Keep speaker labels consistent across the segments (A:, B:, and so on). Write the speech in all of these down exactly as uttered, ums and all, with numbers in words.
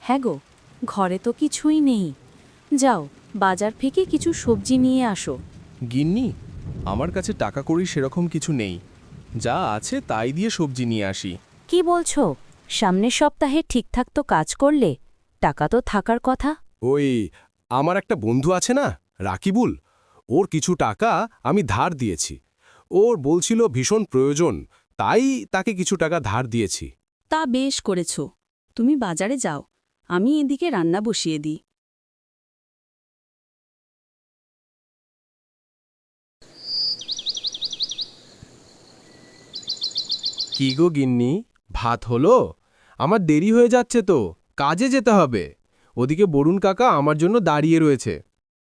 A: হ্যাঁ গো, ঘরে তো কিছুই নেই। যাও, বাজার থেকে কিছু সবজি নিয়ে আসো।
B: গিন্নি, আমার কাছে টাকা কড়ি সেরকম কিছু নেই। যা আছে তাই দিয়ে সবজি নিয়ে আসি।
A: কি বলছো? সামনের সপ্তাহে ঠিকঠাক তো কাজ করলে টাকা তো থাকার কথা।
C: ওই আমার একটা বন্ধু আছে না, রাকিবুল, ওর কিছু টাকা আমি ধার দিয়েছি। ওর বলছিল ভীষণ প্রয়োজন, তাই তাকে কিছু টাকা ধার দিয়েছি।
D: তা বেশ করেছ। তুমি বাজারে যাও, আমি এদিকে রান্না বসিয়ে দিই।
C: কি গো গিন্নি, ভাত হলো? আমার দেরি হয়ে যাচ্ছে তো, কাজে যেতে হবে। ওদিকে বরুণ কাকা আমার জন্য দাঁড়িয়ে রয়েছে।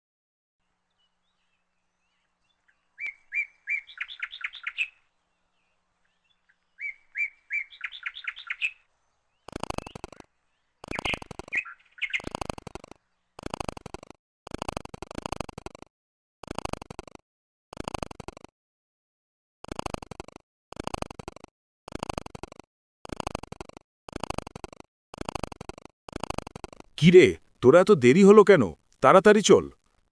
E: কিরে, তোরা এত দেরি হলো কেন? তাড়াতাড়ি চল।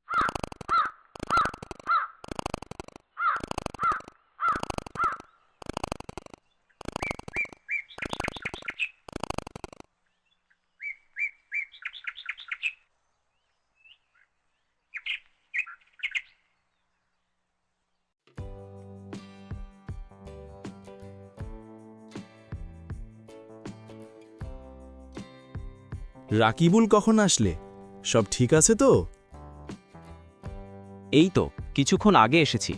C: রাকিবুল কখন আসলে? সব ঠিক আছে তো?
F: এই তো কিছুক্ষণ আগে এসেছি।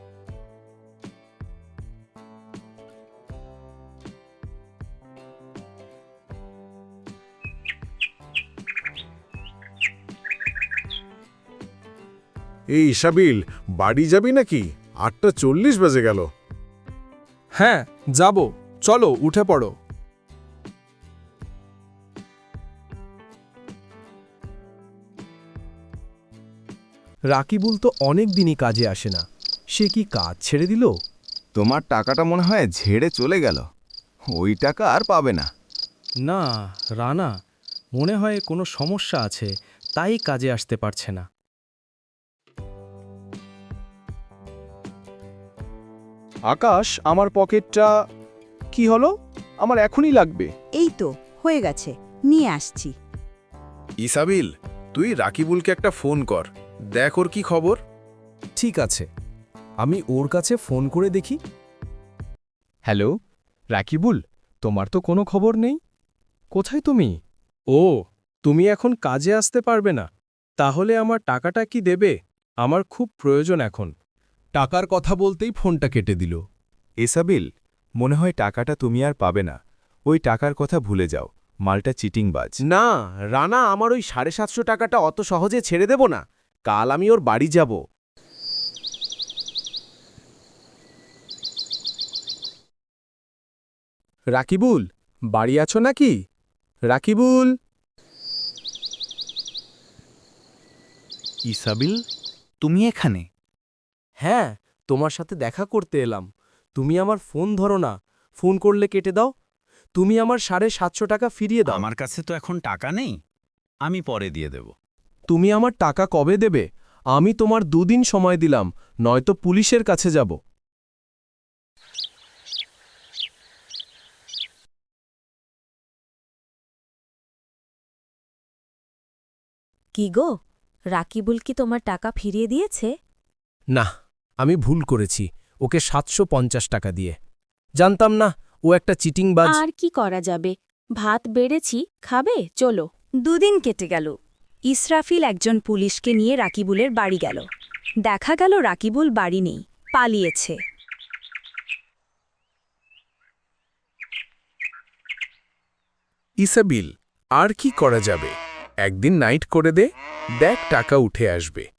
E: এই ইসাবিল, বাড়ি যাবি নাকি? আটটা চল্লিশ বাজে গেল।
C: হ্যাঁ, যাব। চলো, উঠে পড়ো। রাকিবুল তো অনেক দিনই কাজে আসে না। সে কি কাজ ছেড়ে দিল?
G: তোমার টাকাটা মনে হয় ঝেড়ে চলে গেল। ওই টাকা আর পাবে না।
H: না রানা, মনে হয় কোনো সমস্যা আছে, তাই কাজে আসতে পারছে না।
C: আকাশ, আমার পকেটটা কি হলো? আমার এখনই লাগবে।
I: এই তো হয়ে গেছে, নিয়ে আসছি।
E: ইসাবিল, তুই রাকিবুলকে একটা ফোন কর, দেখ ওর কি খবর।
C: ঠিক আছে, আমি ওর কাছে ফোন করে দেখি। হ্যালো রাকিবুল, তোমার তো কোনো খবর নেই। কোথায় তুমি? ও, তুমি এখন কাজে আসতে পারবে না? তাহলে আমার টাকাটা কি দেবে? আমার খুব প্রয়োজন এখন। টাকার কথা বলতেই ফোনটা কেটে দিল।
G: এসাবিল, মনে হয় টাকাটা তুমি আর পাবে না। ওই টাকার কথা ভুলে যাও, মালটা চিটিংবাজ।
C: না রানা, আমার ওই সাড়ে সাতশো টাকাটা অত সহজে ছেড়ে দেব না। কাল আমি ওর বাড়ি যাব। রাকিবুল, বাড়ি আছো নাকি? রাকিবুল।
F: ইসাবিল, তুমি এখানে?
H: হ্যাঁ, তোমার সাথে দেখা করতে এলাম। তুমি আমার ফোন ধরো না, ফোন করলে কেটে দাও। তুমি আমার সাড়ে সাতশো টাকা ফিরিয়ে দাও।
F: আমার কাছে তো এখন টাকা নেই, আমি পরে দিয়ে দেব।
C: তুমি আমার টাকা কবে দেবে? আমি তোমার দুদিন সময় দিলাম, নয়তো পুলিশের কাছে যাব।
A: কি গো, রাকিবুল কি তোমার টাকা ফিরিয়ে দিয়েছে?
C: না, আমি ভুল করেছি ওকে সাতশো পঞ্চাশ টাকা দিয়ে। জানতাম না ও একটা চিটিংবাজ।
D: আর কি করা যাবে, ভাত বেড়েছি, খাবে? চলো।
I: দুদিন কেটে গেল। ইসরাফিল একজন পুলিশকে নিয়ে রাকিবুলের বাড়ি গেল। দেখা গেল রাকিবুল বাড়ি নেই, পালিয়েছে।
E: ইসাবিল, আর কি করা যাবে? একদিন নাইট করে দে, দেখ টাকা উঠে আসবে।